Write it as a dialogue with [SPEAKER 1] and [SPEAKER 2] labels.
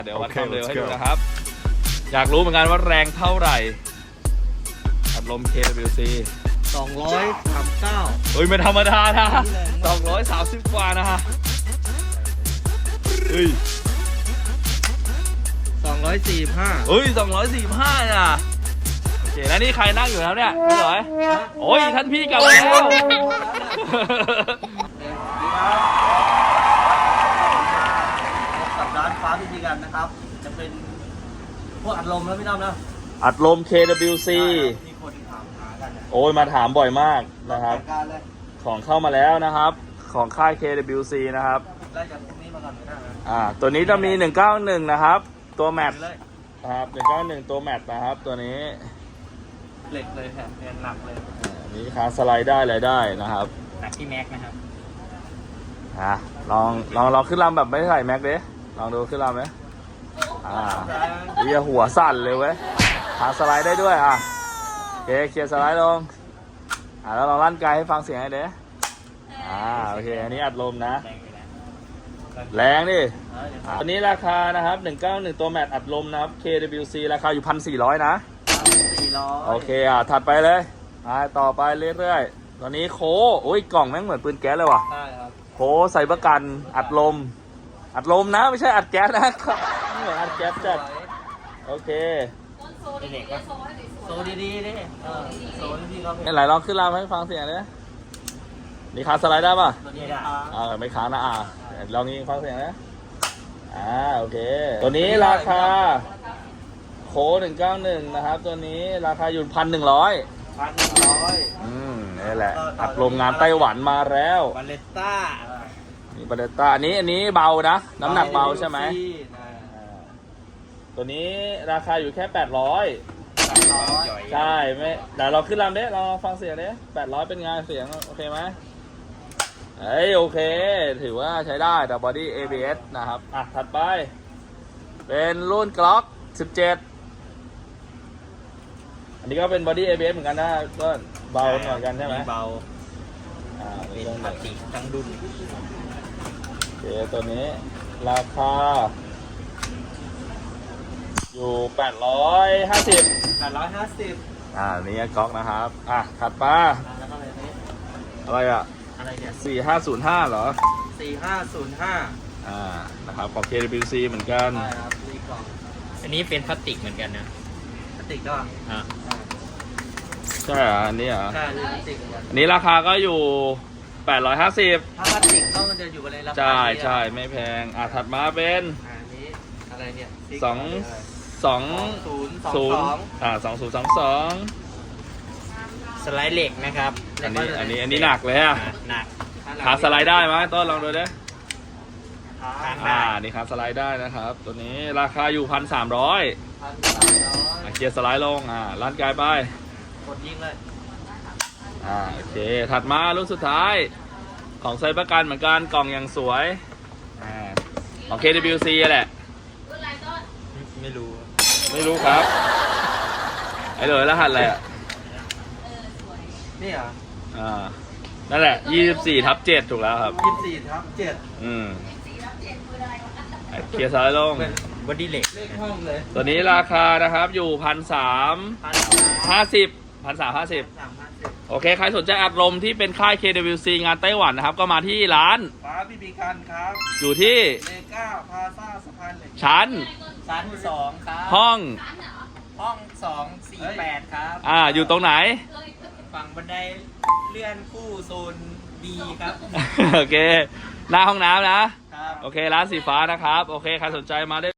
[SPEAKER 1] เดี๋ยววัดความเร็วให้ดูนะครับอยากรู้เหมือนกันว่าแรงเท่าไหร่อัดลม KWC
[SPEAKER 2] 239
[SPEAKER 1] เฮ้ยไม่ธรรมดานะ230 กว่านะฮะเฮ้ย
[SPEAKER 2] 245
[SPEAKER 1] เฮ้ย245นะโอเคแล้วนี่ใครนั่งอยู่แล้วเนี่ยพี่หน่อยโอ้ยท่านพี่กลับมาแล้ว
[SPEAKER 2] กับร้านฟ้าพิธีกันนะครับจะเป็นพวกอัดลมแล้วพี่น้องนะ
[SPEAKER 1] อัดลม KWC
[SPEAKER 2] มีคนถามหากัน
[SPEAKER 1] โอ้ยมาถามบ่อยมากนะครับ
[SPEAKER 2] จัดการเลย
[SPEAKER 1] ของเข้ามาแล้วนะครับของค่าย KWC นะครับ
[SPEAKER 2] ไล่จากพวกนี้มาก่อนก็ได้นะ
[SPEAKER 1] ตัวนี้จะมี191นะครับตัวแมตช์
[SPEAKER 2] เลย
[SPEAKER 1] นะครับ191ตัวแมตช์นะครับตัวนี้
[SPEAKER 2] เหล็กเลยแผ่นหนักเลย
[SPEAKER 1] นี่ขาสไลด์ได้อะไรได้นะครับ
[SPEAKER 2] หนักที่แม็กนะครับ
[SPEAKER 1] ลองขึ้นลำแบบไม่ใส่แม็กดิลองดูขึ้นลำไหมเรียหัวสั่นเลยเว้ยขาสไลด์ได้ด้วยโอเคเคลียร์สไลด์ลงแล้วลองลั่นไกลให้ฟังเสียงให้เด้โอเคอันนี้อัดลมนะแรงดิตัวนี้ราคานะครับ191ตัวแมตช์อัดลมนะครับ KWC ราคาอยู่ 1,400 นะโอเคถัดไปเลยต่อไปเรื่อยๆตอนนี้โค้โอ้ยกล่องแม่งเหมือนปืนแก๊สเลยว่ะ
[SPEAKER 2] ใช่ครับ
[SPEAKER 1] โค้ใส่ประกันอัดลมนะไม่ใช่อัดแก๊สนะเหมือนอัดแก๊สจัดโอเค
[SPEAKER 2] เด็กโซดีๆดิโซดีๆครับ
[SPEAKER 1] ไหนลองขึ้นลำให้ฟังเสียงเลยนี่ขาสไลด์ได้ป่ะ
[SPEAKER 2] ตัวนี้ได้
[SPEAKER 1] ไม่ค้างนะลองยิงฟังเสียงนะโอเคตัวนี้ราคาโค้191นะครับตัวนี้ราคาอยู่ 1,100
[SPEAKER 2] 1,100
[SPEAKER 1] นี่แหละอัดลมงานไต้หวันมาแล้ว
[SPEAKER 2] บาเลตต้า
[SPEAKER 1] นี่บาเลต้าอันนี้เบานะน้ำหนักเบาใช่ไหมตัวนี้ราคาอยู่แค่800ใช่ไม่เดี๋ยวเราขึ้นลำเด้เราฟังเสียงเด้800เป็นไงเสียงโอเคไหมโอเคถือว่าใช้ได้แต่ body ABS นะครับถัดไปเป็นรุ่น Glock 17อันนี้ก็เป็น body ABS เหมือนกันนะก็เบาเหมือนกันใช่ไหม
[SPEAKER 2] เบา
[SPEAKER 1] เป็นพลาสติก
[SPEAKER 2] ทั้งดุน
[SPEAKER 1] โอเคตัวนี้ราคาอยู่850 นี่ก๊อกนะครับถัดมา
[SPEAKER 2] แล้วก็เลยนี้
[SPEAKER 1] อะไร
[SPEAKER 2] อะไรเนี่ย
[SPEAKER 1] 4505เหรอ
[SPEAKER 2] 4505
[SPEAKER 1] นะครับของ KWC เหมือนกัน
[SPEAKER 2] ใช่ครับรีกล่อง
[SPEAKER 3] อันนี้เป็นพลาสติกเหมือนกันนะ
[SPEAKER 2] พลาสติกก็
[SPEAKER 1] ใช่อันนี้เหรอ
[SPEAKER 2] ใช่พลาสติกเหมือนกัน
[SPEAKER 1] อันนี้ราคาก็อยู่850
[SPEAKER 2] ถ้าพลาสติกก็มันจะอยู่ในราคา
[SPEAKER 1] ใช่ไม่แพงถัดมาเป็น
[SPEAKER 2] อันนี้อะไรเนี่ย
[SPEAKER 1] 2022
[SPEAKER 3] สไลด์เหล็กนะครับ
[SPEAKER 1] อันนี้หนักเลย
[SPEAKER 3] หนัก
[SPEAKER 1] ขาสไลด์ได้ไหมต้นลองดูดิ
[SPEAKER 3] ได้
[SPEAKER 1] นี่ขาสไลด์ได้นะครับตัวนี้ราคาอยู่ 1,300
[SPEAKER 2] 1,300
[SPEAKER 1] เกียร์สไลด์ลงลั่นไกลไป
[SPEAKER 2] กดยิงเลย
[SPEAKER 1] โอเคถัดมารุ่นสุดท้ายของไซประกันเหมือนกันกล่องอย่างสวยของ KWC แหละ
[SPEAKER 3] ไม่รู้
[SPEAKER 1] ไม่รู้ครับเลยรหัสอะไร
[SPEAKER 2] นี่เหรอ
[SPEAKER 1] นั่นแหละ 24/7 ถูกแล้วครับ
[SPEAKER 2] 24/7
[SPEAKER 1] เกียร์สไลด์ลง
[SPEAKER 3] บอดี้เหล็ก
[SPEAKER 2] เลขห้องเลย
[SPEAKER 1] ตัวนี้ราคานะครับอยู่ 1,350 โอเคใครสนใจอัดลมที่เป็นค่าย KWC งานไต้หวันนะครับก็มาที่ร้าน
[SPEAKER 2] ฟ้าพิบีกันครับ
[SPEAKER 1] อยู่ที่
[SPEAKER 2] เลก้าพาซ่าสะพานเหล็ก
[SPEAKER 1] ชั้น
[SPEAKER 3] 2ครับ
[SPEAKER 1] ห้อง
[SPEAKER 3] ห้อง248ครับ
[SPEAKER 1] อยู่ตรงไหน
[SPEAKER 3] ฝั่งบันไดเลื่อนคู่โซน B ครับ
[SPEAKER 1] โอเคหน้าห้องน้ำนะ
[SPEAKER 3] ครับ
[SPEAKER 1] โอเคร้านสีฟ้านะครับโอเคใครสนใจมาได้